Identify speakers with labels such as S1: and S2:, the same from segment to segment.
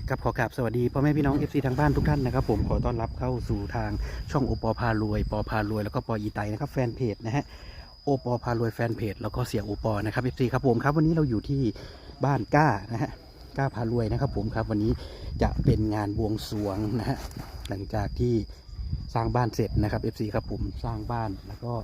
S1: กับขอกราบสวัสดีพ่อแม่พี่น้อง FC ทางบ้านทุกท่านนะครับผมขอต้อนรับเข้าสู่ทางช่องโอปอพารวยปอพารวยแล้วก็ปออีไตนะครับแฟนเพจนะฮะโอปอพารวยแฟนเพจแล้วก็เสียโอปอนะครับ FC ครับผมครับวันนี้เราอยู่ที่บ้านก้านะฮะก้าพารวยนะครับผมครับวันนี้จะเป็นงานบวงสรวงนะฮะหลังจากที่สร้างบ้านเสร็จนะครับ FC ครับผมสร้างบ้านแล้วก็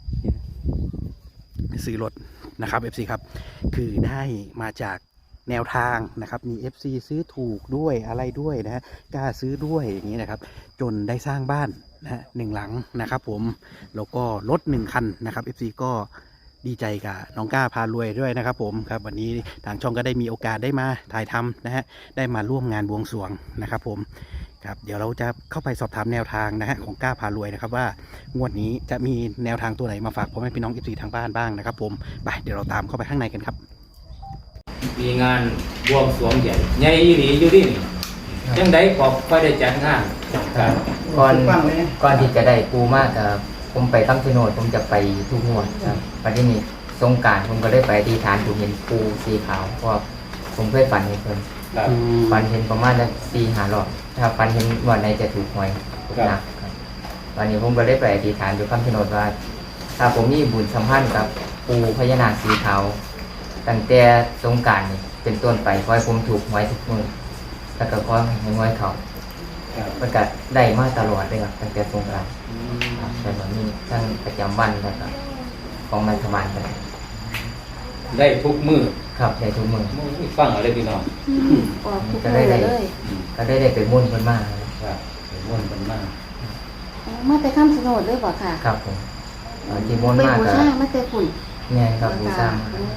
S1: ซื้อรถนะครับ FC ครับคือได้มาจากแนวทางนะครับมี FC ซื้อถูกด้วยอะไรด้วยนะฮะกล้าซื้อด้วยอย่างนี้นะครับจนได้สร้างบ้านนะฮะ1 หลังนะครับผมแล้วก็รถ1 คันนะครับ FC ก็ดีใจกับน้องก้าพารวยด้วยนะครับผมครับวันนี้ทางช่องก็ได้มีโอกาสได้มาถ่ายทำนะฮะได้มาร่วมงานบวงสรวงนะครับผมครับเดี๋ยวเราจะเข้าไปสอบถามแนวทางนะฮะของก้าพารวยนะครับว่างวดนี้จะมีแนวทางตัวไหนมาฝากพ่อแม่พี่น้อง FC ทางบ้านบ้างนะครับผมไปเดี๋ยวเราตามเข้าไปข้างในกันครับ
S2: มีงานบวงสรวงใหญ่ใหญ่อีหลีอยู่ดิจังไดก็ค่อยได้จัดงาน
S3: ก่อนที่จะได้ปูมากครับผมไปคำชะโนดผมจะไปทุกงวดครับวันนี้สงกรานต์ผมก็ได้ไปอธิษฐานผมเห็นปูสีขาวเพราะผมเคยฝันเห็นเพิ่นฝันเห็นประมาณ4-5 รอบถ้าฝันเห็นวันไหนจะถูกหวยหนักครับวันนี้ผมก็ได้ไปอธิษฐานอยู่คำชะโนดว่าถ้าผมมีบุญสัมพันธ์กับปูพญานาคสีขาวตั้งแต่สงกรานต์นี่เป็นต้นไปขอให้ผมถูกหวยทุกมื้อแล้วก็ขอให้หวยเขามันก็ได้มาตลอดเลยครับตั้งแต่สงกรานต์แต่ตอนนี้ทั้งประจำวันแล้วก็ของรัฐบาลก็
S2: ได้ทุกมื้อ
S3: ครับได้ทุกมื้อ
S2: ฟังอะไรพี่น้อง
S3: ก็ได้ไปมุ่นเพิ่นมา
S2: ครับไปมุ่นเพิ่นมา
S4: มาแต่คำชะโนดด้วยบ่ค่ะ
S3: ครับผมที่มุ่นมาก็
S4: มาแต่ฝุ่น
S3: แม่นครับบูชา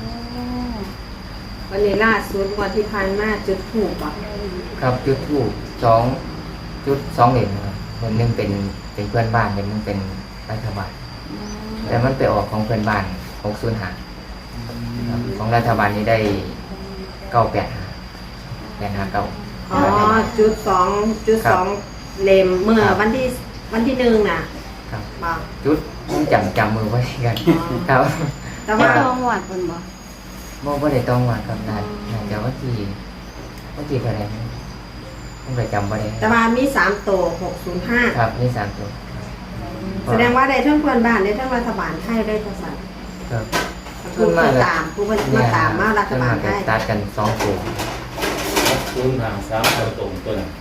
S5: วันนี้ล่าสุดวันที่ผ่านมาจุดถูกอ่ะ
S3: ครับจุดถูก2.2 เหรียญครับคนนึงเป็นเพื่อนบ้านคนนึงเป็นรัฐบาลแต่มันไปออกของเพื่อนบ้าน605ของรัฐบาลนี้ได้985
S5: อ๋อจุด2เล่มเมื่อวันที่1น่ะ
S3: ครับจุดจำมือไว้กันครับ
S4: แต่ว่าต้องหวดเพิ่น
S3: บ่ได้ต้องว่ากับน่าจะว่าที่เท่าไหร่ผมก็จำบ่ได้
S5: แต่ว่ามี3ตัว605
S3: ครับมี3ตัว
S5: แสดงว่าได้ทั้งเพื่อนบ้านได้ทั้งรัฐบาลไทยได้ทั้งสั่น
S3: ครับ
S5: ผู้มาตามมารัฐบาลไทย
S3: ตัดกัน2ตัว
S2: 3ตัวตรงตัวนั้น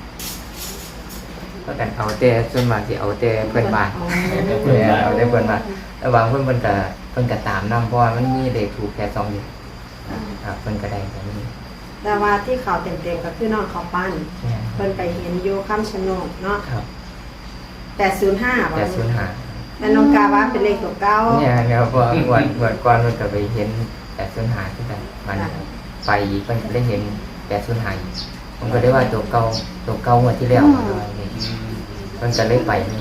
S3: ก็กันเอาแต่ส่วนมากสิเอาแต่เพื่อนบ้านเอาแต่เพื่อนบ้านระหว่างเพิ่นก็ตามนำเพราะว่ามันมีเลขถูกแค่2อยู่ครับเพิ่นก็ได้แบบนี้
S5: แต่ว่าที่เขาเต็มๆก็คือน้องเขาปั้นเพิ่นไปเห็นอยู่คำชะโนดเนาะ
S3: ครับ
S5: 805แต่น้องกาว่าเป็นเลขตัวเก่า
S3: เนี่ยครับเพราะวันก่อนเพิ่นก็ไปเห็น805คือกันมันไปอีกเพิ่นก็ได้เห็น805อีกผมก็ได้ว่าตัวเก่างวดที่แล้วมันจะเล็กไปนี่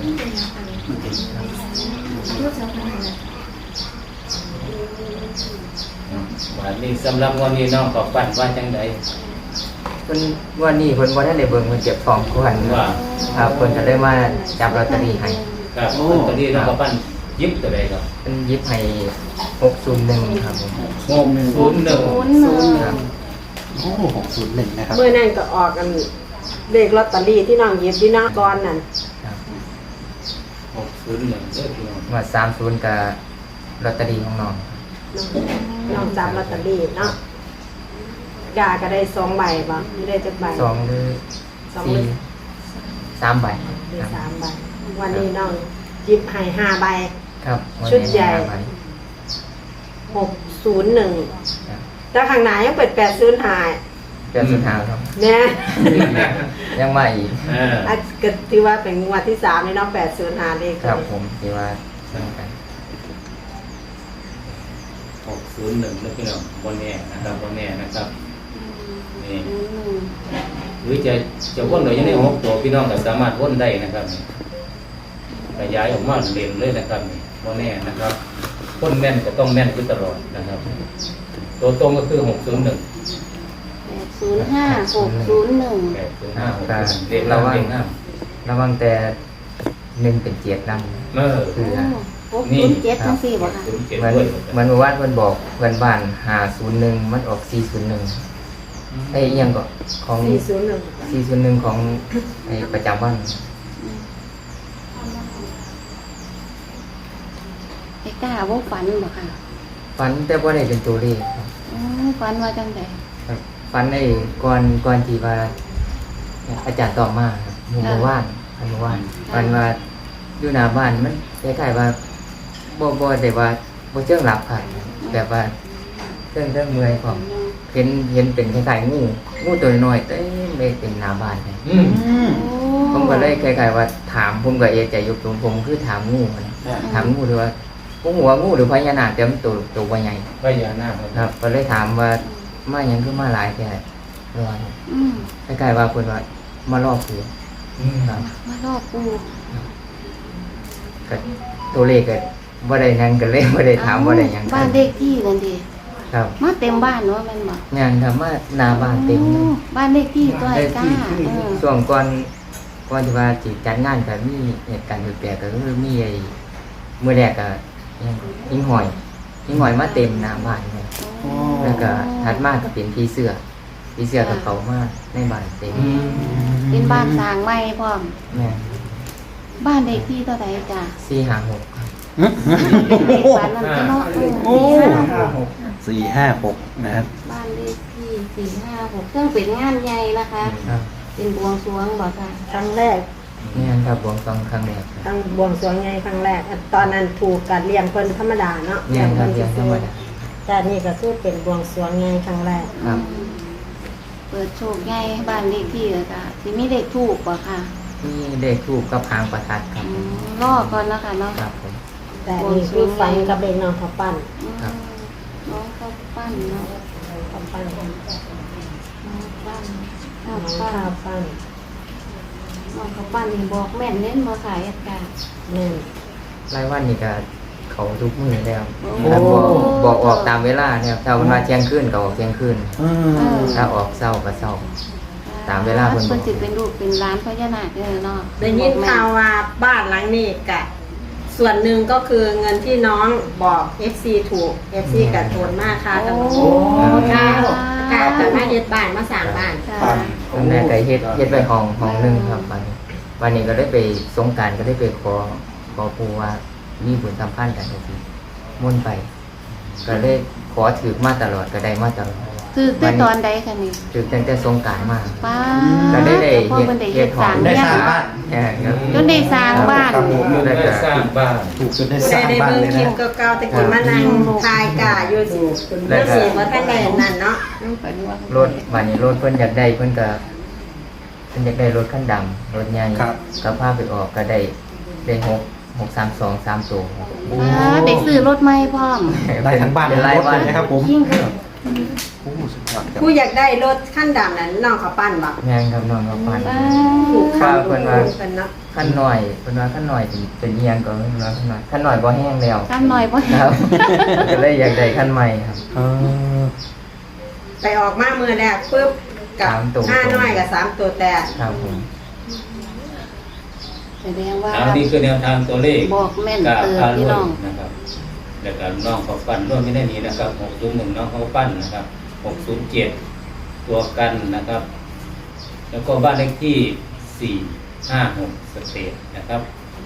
S2: วันนี้สำหรับวันนี้น้องก็ฝันว่าจังได
S3: เพิ่นวันนี้เพิ่นบ่ทันได้เบิ่งเพิ่นเก็บของก่อน
S2: ว่า
S3: ครับเพิ่นก็ได้มาจับลอตเตอรี่ให้
S2: ครับลอตเตอรี่น้องก็ฝันยิบตัวใดครับ
S3: เพิ่นยิบให้601ครับผม
S2: 601
S3: ครับ
S1: โอ้601นะครับ
S5: เมื่อนั้นก็ออกกันเลขลอตเตอรี่ที่น้องหยิบที่น้องก่อนนั่น
S3: ครับ
S2: 601เด้อพี่น้อง
S3: ว่า30กับลอตเตอรี่ของน้อง
S5: จับลอตเตอรี่เนาะกาก็ได้2 ใบบ่ได้จักใบ
S3: 2หรือ4 3 ใบ
S5: ได้3 ใบวันนี้น้องหยิบให้5 ใบ
S3: ครับ
S5: ชุดใหญ่601แต่ข้างหน้ายังเปิด805
S3: ครับ
S5: เนี่ย
S3: ยังมาอีก
S5: ก็ที่ว่าเป็นงวดที่3นี่เนาะ805เลข
S3: ครับผมที่ว่าเหมือนกัน
S2: 601นะพี่น้องบ่แน่นะครับบ่แน่นะครับนี่หรือจะวนหรือยังได้6 ตัวพี่น้องก็สามารถวนได้นะครับขยายออกมาเล่นเลยนะครับบ่แน่นะครับคนแม่นก็ต้องแม่นอยู่ตลอดนะครับตัวตรงก็คือ601
S4: 805 601
S2: เด็กระ
S3: วังแต่1เป็น7นำ
S2: คือ
S4: นี่7ทั้ง4บ่ค่ะ
S3: เหมือนว่าเพิ่นบอกเพื่อนบ้าน501มันออก401 ไอ้อิหยังก็ของ
S5: 401
S3: 401ของไอ้ประจำวัน
S4: ไอ้กล้าว่าฝันบ่ค่ะ
S3: ฝันแต่บ่ได้เป็นตัวเลขครับ
S4: ฝันว่าจังได
S3: ครับฝันไอ้ก่อนที่ว่าอาจารย์ตอบมาครับเมื่อวานฝันว่าอยู่หน้าบ้านมันคล้ายๆว่าบ่ได้ว่าบ่เชิงหลับค่ะแบบว่าเรื่องเมื่อยความเห็นเป็นคล้ายๆงูตัวน้อยๆเต็มเลยเป็นหน้าบ้านเลย ผมก็เลยคล้ายๆว่าถามผมก็เอะใจอยู่ผมคือถามงูนะถามงูหรือว่าผมหัวงูหรือพญานาคแต่มันตัวใหญ่
S2: พญานาค
S3: ครับก็เลยถามว่ามาหยังคือมาหลายแค่ร้อยคล้ายๆว่าคนว่ามารอบคือครับ
S4: มารอบปู
S3: ก็ตัวเลขก็บ่ได้หยังกันเลยบ่ได้ถามบ่ได้หยัง
S4: บ้านเลขที่นั่นดิ
S3: ครับ
S4: มาเต็มบ้านเนาะแม่นบ่
S3: งานครับมาหน้าบ้านเต็มเลย
S4: บ้านเลขที่ตัวไอ้กล้า
S3: ช่วงก่อนที่ว่าสิจัดงานก็มีเหตุการณ์แปลกๆก็คือมีไอ้มื้อแรกก็หิ้งหอยมาเต็มหน้าบ้านเลยแล้วก็ถัดมาก็เป็นผีเสื้อกับเขามาในบ้านเต็ม
S4: เป็นบ้านสร้างใหม่พร้อม
S3: แม่
S4: บ้านเลขที่เท่าใดจ้ะ
S3: 456ครับ
S4: เลขฝันนั่นก็เนาะ
S1: 456นะครับ
S4: บ้านเลขที่456เครื่องเป็นงานใหญ่นะคะ
S3: ครับ
S4: เป็นบวงสรวงบ่ค่ะ
S5: ครั้งแรก
S3: นี่ครับบวงสรวงครั้งแรกครับ
S5: ครั้งบวงสรวงไงครั้งแรกตอนนั้นถูกการเลี้ยงเพิ่นธรรมดาเนาะ
S3: เนี่ยครับเรียนธรรมดา
S5: แต่นี่ก็คือเป็นบวงสรวงไงครั้งแรก
S3: ครับ
S4: เปิดโชคใหญ่บ้านเลขที่เลยค่ะสิมีเลขถูกบ่ค่ะ
S3: นี่เลขทูปกับหางประทัดครับ
S4: รอก่อนแล้วค่ะเนาะ
S3: ครับผม
S5: แต่นี่คือฟันกับเด็กน้องเขาปั้น
S3: ครับ
S4: น้องข้าวปั้นเนาะ
S5: เขาปั้น
S4: น้องปั้นข้าว
S5: น้อง
S4: ปั้น
S5: ข้าวปั้น
S4: น้องข้าวปั้นนี่บอกแม่นเน้นมาขายอาการ
S5: แม่น
S3: รายวันนี่ก็เขาทุกมื้อแล้ว
S4: โอ้
S3: ครับบอกออกตามเวลาเนี่ยถ้าวันมาเที่ยงคืนก็ออกเที่ยงคืนถ้าออกเช้าก็เช้า ตามเวลาเพิ่นบอก
S4: เพิ่นสิเป็นลูกเป็นร้านพญานาคเด้อเนาะ
S5: ได้ยินข่าวว่าบ้านหลังนี้กะส่วนหนึ่งก็คือเงินที่น้องบอก FC ถูก FC กับโทนมากค่ะกับน้อง
S4: โอ้
S5: ค่ะ
S4: ค่ะ
S5: ค่ะจะมาเฮ็ดบ้านมาสร้างบ้าน
S4: ค่ะ
S3: ตอนแรกก็เฮ็ดไว้ห้องนึงครับวันนี้ก็ได้ไปสงกรานต์ก็ได้ไปขอปู่ว่ามีบุญสัมพันธ์กันจังซี่มุ่นต์ไป ก็เลยขอถือมาตลอดก็ได้มาตลอด
S4: คือได้ตอนใดคะนี่
S3: ถือตั้งแต่สงกรานต์มา
S4: ป้า
S3: ก็ได้
S4: พ่อเพิ่นได้เฮ็ดสร้าง
S1: ได้
S4: เนี่ย
S1: สร้างบ้าน
S3: ครับ
S4: จนได้สร้างบ้าน
S1: ครับผม
S2: ได้สร้างบ้าน
S1: ถูกจนได้
S5: ผู้
S1: ส
S5: ใด
S1: ร้าง
S5: ได้
S1: บ้าน
S5: เบิ่ง
S1: เลย
S5: คลิ
S1: นะ
S5: ปเก่าๆแต่กี้มานั่งทายกะอยู่สิเมื่อสิบ่ทันได้นั่นเนาะ
S3: รถวันนี้รถเพิ่นอยากได้เพิ่นอยากได้รถคันดำรถใหญ่
S1: ครับ
S3: ก็พาไปออกก็ได้632 3ตัว
S4: ได้ซื้อรถใหม่พร้อม
S1: ได้ทั้งบ้าน
S3: เป็น
S1: ทั้ง
S3: ราย
S1: รถ
S3: วั
S1: เล
S3: น
S1: ยนะครับผม
S4: ยิ่งค่ะ
S1: โอ้สุดยอดครับ
S5: ผู้อยากได้รถขั้นดำนั้นน้องเขาปั้นบ่
S3: งานกับน้องกับปัน
S5: ถูก
S3: ข้า
S5: ข้าว ว
S3: เพิ่
S5: เพิ่
S3: น
S5: น
S3: ว่า
S5: ว่าเป็นเนาะ
S3: ขั้นหน่อยเพิ่นว่าขั้นหน่อยเป็นเอียงก็เพิ่นว่าขั้นหน่อยบ่แห้งแล้ว
S4: กันหน่อยบ่
S3: ครับ ก็เลยอยากได้ขั้นใหม่ครับ
S1: เออ
S5: ไปออกมามือแรกปุ๊บกับ
S3: สามตัว
S5: 5น้อยกับ3ตัวแต่
S3: ครับผม
S4: แสดงว่า
S2: อันนี้คือแนวทางตัวเลข
S4: บอกแม่น
S2: กา
S4: เติบ
S2: พา
S4: พี่
S2: รุ่
S4: น้อง
S2: นะครับแล้วก็น้องเขาปั้นร่วมไม่ได้นี้นะครับ601น้องเขาปั้นนะครับ607ตัวกันนะครับ แล้วก็บ้านเลขที่456สเตทนะครับ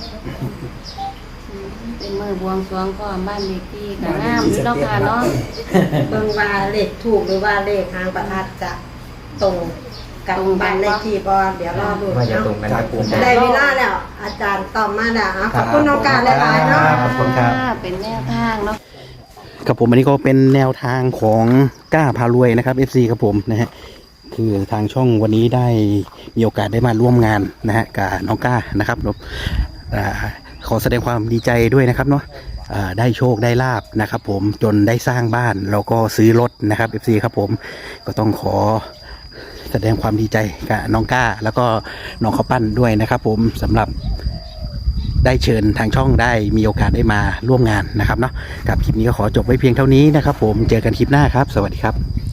S4: เป็นมือบวงสรวงก็บ้านเลขที่ก็งามอยู่เนาะค่ะเนาะ
S5: เบิ่งว่าเลขถูกหรือว่าเลขหางประทัดจะตรงกับบ้านเลขที่บ่เดี๋ยวรอดู
S3: ว่าจะ
S5: เนาะ
S3: ตรงกันกับผม
S5: ได้เวลาแล้ว อาจารย์ตอบมาแล้วอ่ะขอบคุณน้องการหลายๆเนาะ
S1: ขอบคุณครับ
S4: เป็นแนวทางเนาะ
S1: ครับผมอันนี้ก็เป็นแนวทางของก้าพารวยนะครับ FC ครับผมนะฮะคือทางช่องวันนี้ได้มีโอกาสได้มาร่วมงานนะฮะกับน้องก้านะครับขอแสดงความดีใจด้วยนะครับเนาะได้โชคได้ลาบนะครับผมจนได้สร้างบ้านแล้วก็ซื้อรถนะครับ FC ครับผมก็ต้องขอแสดงความดีใจกับน้องก้า แล้วก็น้องข้าวปั้นด้วยนะครับผมสำหรับได้เชิญทางช่องได้มีโอกาสได้มาร่วมงานนะครับเนาะกับคลิปนี้ก็ขอจบไว้เพียงเท่านี้นะครับผมเจอกันคลิปหน้าครับสวัสดีครับ